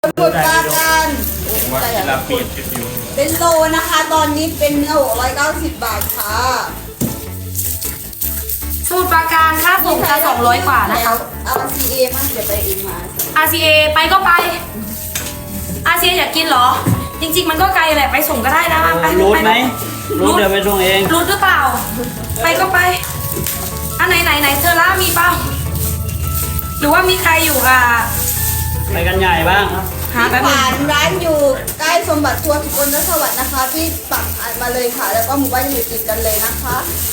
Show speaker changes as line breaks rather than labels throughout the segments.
มุทรปราการเป็นโลนะคะ ตอนนี้เป็นเนื้อ690 บาทค่ะ
สมุทรปราการค่าส่งจะ200 กว่านะคะ
RCA มันจะไปเองมา
RCA ไปก็ไป RCA อยากกินเหรอ จริงๆมันก็ไกลแหละไปส่งก็ได้นะไป
รูดไหมรูดเดี๋ยวไปส่งเอง
รูดหรือเปล่า ไปก็ไปอันไหนเธอล่ามีเปล่าหรือว่ามีใครอยู่
ไปกันใหญ่บ้าง
หาแป๊บนึ
ผ่าง นร้านอยู่ใกล้สมบัติทัวร์สุกลสวัสดิ์นะคะที่ปักผ่านมาเลยค่ะ แล้วก็หมู่บ้านอยู่ติดกันเลยนะคะ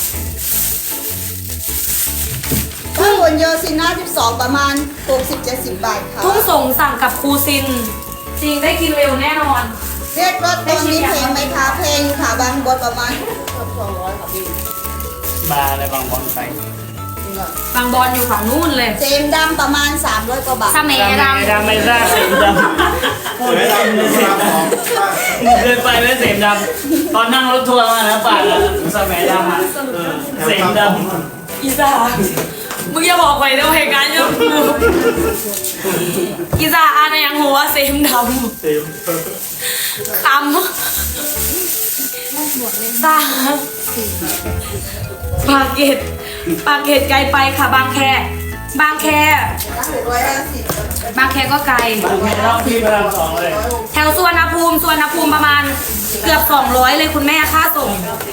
ถ้าบนโยซิน่า12ประมาณ60-70 บาทค่ะ
ทุ่งส่งสั่งกับครูซิน จริงได้กินเร็วแน่นอน
เรียกรถตอนนี้เพลงไหมคะเพลงค่ะบางบทประมาณ200ค่ะพี่
บาร์อะไรบางบอลไป
บางบอลอยู่ฝั่งนู้นเลย
เจมดำประมาณ300 กว่าบาท
สะเมดำ
ดำไม่ทราบเสียงดำพูดไม่ได้เสียงดำเคยไปไหมเสียงดำตอนนั่งรถทัวร์มานะป่าสมัยดำเสียงดำ
อีสามึงอย่าบอกไปนะเหตุการณ์ยังกูอีสาอ่านยังหัวเซมดำคำสาปากเกตไกลไปค่ะบางแคบางแคก็ไกล
บางแค่ต้องพี่พระราม2เลย
แถวสุวรรณภูมิประมาณเกือบ200เลยคุณแม่ค่าส่ง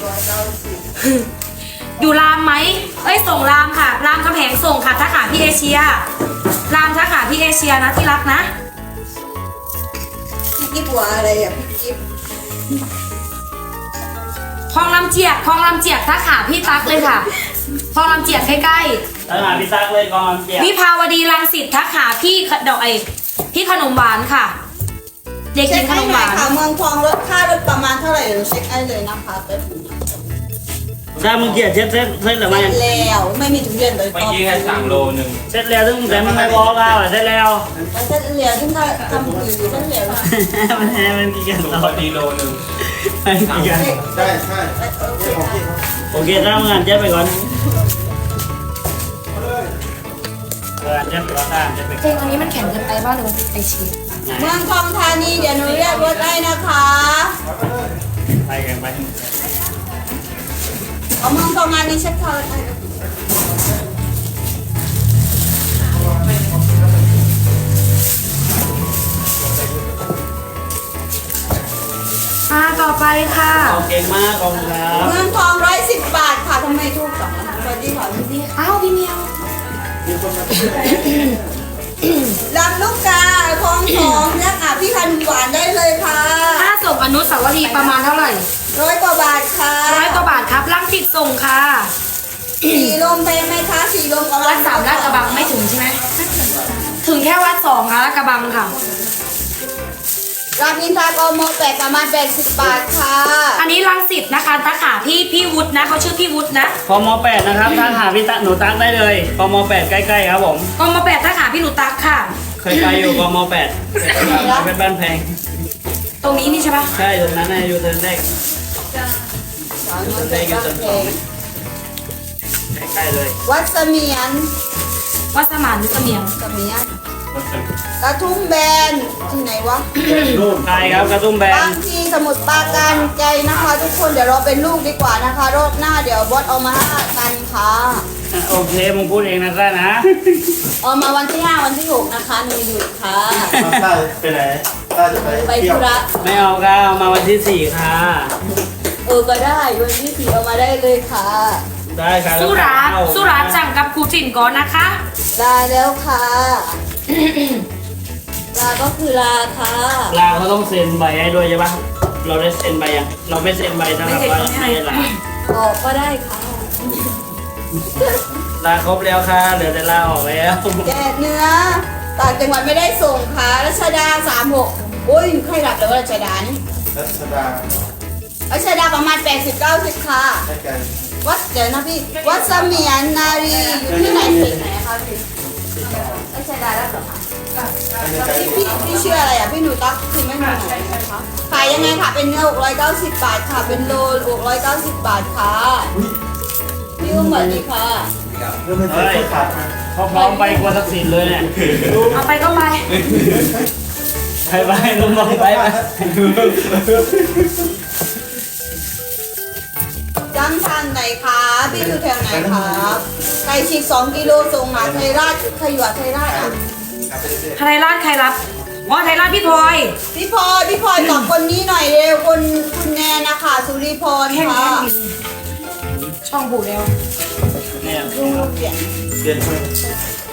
อยู่รามไหมเอ้ยส่งรามค่ะรามคำแหงส่งค่ะถ้าขาพี่เอเชียรามถ้าขาพี่เอเชียนะที่รักนะ
พี่กิ๊บหัวอะไรอ่ะพี่กิ๊บ
คลองลำเจียกถ้าขาพี่ตักเลยค่ะคลองลำเจียกใกล้
แล้วหาพี่ตั๊กเลยกองเจีย
ๆวิภาวดีรังสิตถ้าขาพี่ดอกพี่ขนมหวานค่ะ เด็กห
เช็
ญิ
ค
งข
ให้
นม
ห
ห
น่อยว
าน
ค่ะเมืองทองรถค่ารถประมาณเท่าไหร่เดี๋ยวเช็คให้เลยนะคะแป๊บนึง
ถ้ามึงเกลียดเซ็ตหรือไม่
แล้วไม่มีถุงเย็นเลย
เมื่อกี้แค่3 โลนึง
เซ็ตแล้วซึ่งแต่มันไม่บอกเราเซ็ตแล้ว
เส้นเหลียวที่เขาทำอยู่เส้นเหลียวนะ
มันกี่กัน
ถุง
ต่อ
พอดีโลนึง
มันกี่กัน
ใช่ใช่
โอเคถ้ามึงอ่านเจ็บไปก่อนเจ็บไปก่อนเจ็บไป
เพลงอันนี้มันแข็งเกินไปบ้างหรือมันไอชีส
เมืองทองธานีเดี๋ยวหนูเรียกรถได้นะคะ
ไปกันไป
เอาเมืองทองธานีเช็คเขาให้
ต่อไปค่ะ
เก่งมากขอบคุณครับ
เมืองทอง110 บาทค่ะทำไมถูกจังสวัสดีค่ะพี่พี่
อ้าวพี่เมียว
ลำลูกกาคลองสองเนี่ยค่ะพี่พันหวานได้เลยค่ะ
ค่าส่งอนุสาวรีย์ประมาณเท่าไหร่
100 กว่าบาทค่ะ
100 กว่าบาทครับลังสิตส่งค่ะ
สีลมเพลงไหมคะสีลมประมา
วั
ณ
ด3ลาดกระบังไม่ถึงใช่ไหมถึงแค่วัด2นะลาดกระบังค่ะ
รามอินทรากม8ประมาณ80 บาทค่ะ
อันนี้ลังสิตนะคะตาขาพี่วุฒินะเขาชื่อพี่วุฒินะ
พม8นะครับถ้าหาพี่ตั๊กหนูตั๊กได้เลยพม8ใกล้ๆครับผม
กม8ตาขาพี่หนูตักค่ะ
เคยไปอยู่กม8เป็นบ้านแพง
ตรงนี้นี่ใช่ปะ
ใช่ตรงนั้นนะอยู่เทิร์นแรกใกล้ๆเลย
วัดเสมียน
วัดสมานหรือเสมียง
เสมียนกระทุ่มแบนที่ไหนวะ
ใช่ครับกระตุ้มแบน
บางทีสมุดปราการใจนะคะ ทุกคนเดี๋ยวเราเป็นลูกดีกว่านะคะรอบหน้าเดี๋ยวบอสเอามาให้กันค่ะ
โอเคมึงพูดเองนะซ่านะ
เอามาวันที่ 5 วันที่ 6 นะคะหนูหยุดค่ะ
ต้าไปไหนต้าจะไป
ไป
เที่ย
ธุ
ว
ระ
ไม่เอาค่ะเอามาวันที่4ค่ะ
ก็ได้วันที่ 4 เอามาได้เลยค่ะ
ได้ค่ะ
สุราษฎร์สั่งกับครูถิ่นก่อนนะคะ
ลาแล้วค่ะ ลาก็คือลาค่ะ
ลาเขาต้องเซ็นใบให้ด้วยใช่ปะเราได้เซ็นใบยังเราไม่เซ็นใบนะครับว่าให้ลา
ออกก็ได้ค่ะ
ลาครบแล้วค่ะเหลือแต่ลาออกแล้ว
แกะเนื้อต่างจังหวัดไม่ได้ส่งค่ะรัชดา36โอ้ยใครหลับเลยว่ารัชดานี่
รัชดา
รัชดาประมาณ80-90ค่ะ
ใกล้
วัดเดี๋ยวนะพี่วัดเสมียนนารีอยู่ที่ไหนเขตไหนคะพี่รัชดาแล้วเหรอคะพี่ชื่ออะไรอ่ะพี่หนูตั๊กคือไม่หนูไหนนะคะขายยังไงค่ะเป็นเนื้อ690 บาทค่ะเป็นโล690 บาทค่ะพี่อุ้มสวัสดีค่ะ
เริ่มเป็นเสื้อขาดมา
พอพร้อมไปกวนทักษิณเลยเนี่ย
เอาไปก็ไป
ไปลุงบอกไป
จังทันไหนคะพี่อยู่แถวไหนคะไก่ฉีก2 กิโลส่งหาไทยราชใครอยู่ไทยราชอ่ะ
ไทยราชใครรับอ๋อไทยราชพี่พลอย
พี่พลอยตอบคนนี้หน่อยเร็วคุณแนนนะคะสุริพร
แค่นี้
ค่ะ
ช่องผูกแล้ว
เนี่ย
ดูเปลี่ยน
เปลี่ยน